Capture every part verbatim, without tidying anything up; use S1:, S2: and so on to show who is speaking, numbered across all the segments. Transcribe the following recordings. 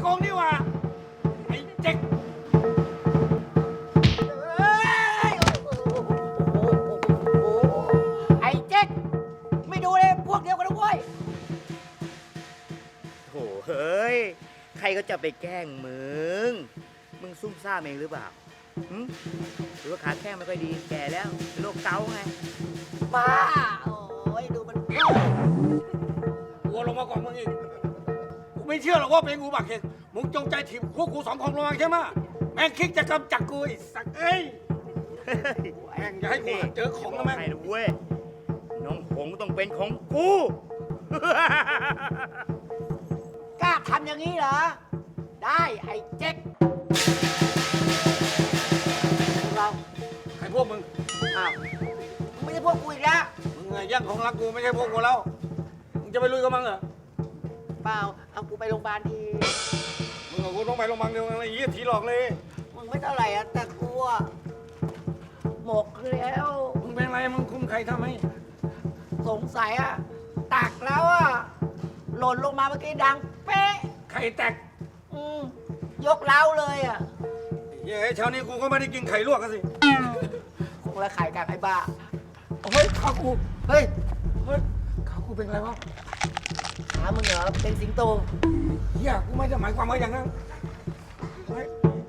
S1: โกงนี่หว่าไอ้เจ๊ก
S2: ไอ้เจ๊กไม่ดูเลยพวกเดียวกันนะเว้ย
S3: โถเฮ้ย ใครก็จะไปแกล้งมึง มึงซุ่มซ่ามเองหรือเปล่าหึหรือว่าขาแข้งไม่ค่อยดี แก่แล้วเป็นโรคเกาต์ไง
S2: บ้าโอ้ยดูมัน
S1: กูลงมาก่อนมึงอีกกูไม่เชื่อหรอกว่าเป็นกูบักเหตุมึงจงใจถีบพวกกูสองคนลงมาใช่ไหมแม่งคิดจะกำจัดกูไอ้สักเอ้ยแม่งอย่าให้กูหาเจอของนะแม่ง
S3: ให้นะเว้ย น้องหงต้องเป็นของกู
S2: กล้าทำอย่างนี้เหรอ ได้ไอ้เจ๊กพวกเรา
S1: ใครพวกมึง
S2: อ้าวมึงไม่ใช่พวกกูอีกแล้ว
S1: มึงไงย่างของรักกูไม่ใช่พวกกูแล้วมึงจะไปลุยกับมึงเหรอ
S2: เปล่าเอากูไปโรงพยาบาลที
S1: มึงกับกูต้องไปโรงพยาบาลเดียวกันเลยยี่ถีหลอกเลย
S2: มึงไม่เท่าไหร่อะแต่กูอะหมกแล้ว
S1: มึงเป็นไรมึงคุมใครทำให้
S2: สงสัยอะตักแล้วอะหล่นลงมาเมื่อกี้ดังเป๊ะ
S1: ใครแตก
S2: อืมยกเล้าเลยอะ
S1: เย้เช้านี้กูก็ไม่ได้กินไข่ลวกกันสิ
S2: คงละขายกันไอ้บ้า
S1: เฮ้ยขากู
S2: เฮ้ย
S1: เฮ้ยขากูเป็นไรวะ
S2: หามึงเหรอเป็นสิงโต
S1: เฮียกูไม่ได้หมายความว่าอย่างนั้นเฮ้ย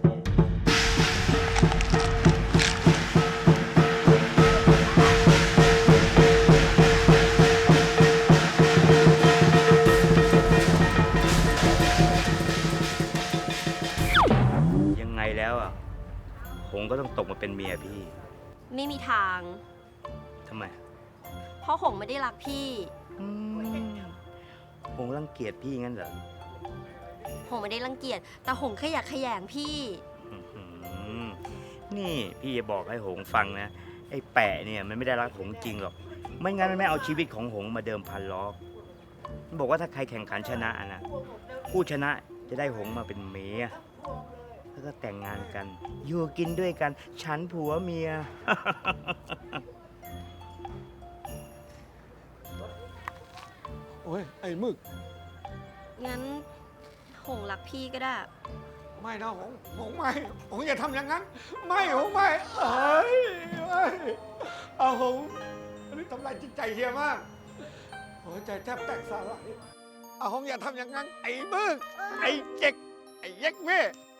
S3: ยังไงแล้วอ่ะ หงก็ต้องตกมาเป็นเมียพี่
S4: ไม่มีทาง
S3: ทำไม
S4: เพราะหงไม่ได้รักพี่
S3: อืมหงรังเกียจพี่งั้นเหรอ
S4: หงไม่ได้รังเกียจ แต่หงแค่อยากขยงพี่
S3: อื้อหือนี่พี่จะบอกให้หงฟังนะ ไอ้แปะเนี่ยมันไม่ได้รักหงจริงหรอก ไม่งั้นมันไม่เอาชีวิตของหงมาเดิมพันล้อกมันบอกว่าถ้าใครแข่งขันชนะนะผู้ชนะจะได้หงมาเป็นเมียแล้วก็แต่งงานกัน อยู่กินด้วยกัน ฉันผัวเมีย
S1: โอ้ยไอ้มึก
S4: งั้นหงรักพี่ก็ได้
S1: ไม่นะหงหงไม่หงอย่าทำอย่างนั้น ไม่หงไม่เอ้ยไม่เอาหงอันนี้ทำลายจิตใจเฮียมากหัวใจแทบแตกสลายเอาหงอย่าทำอย่างนั้น ไอ้มึกไอ้เจ๊กไอ้เย็กแม่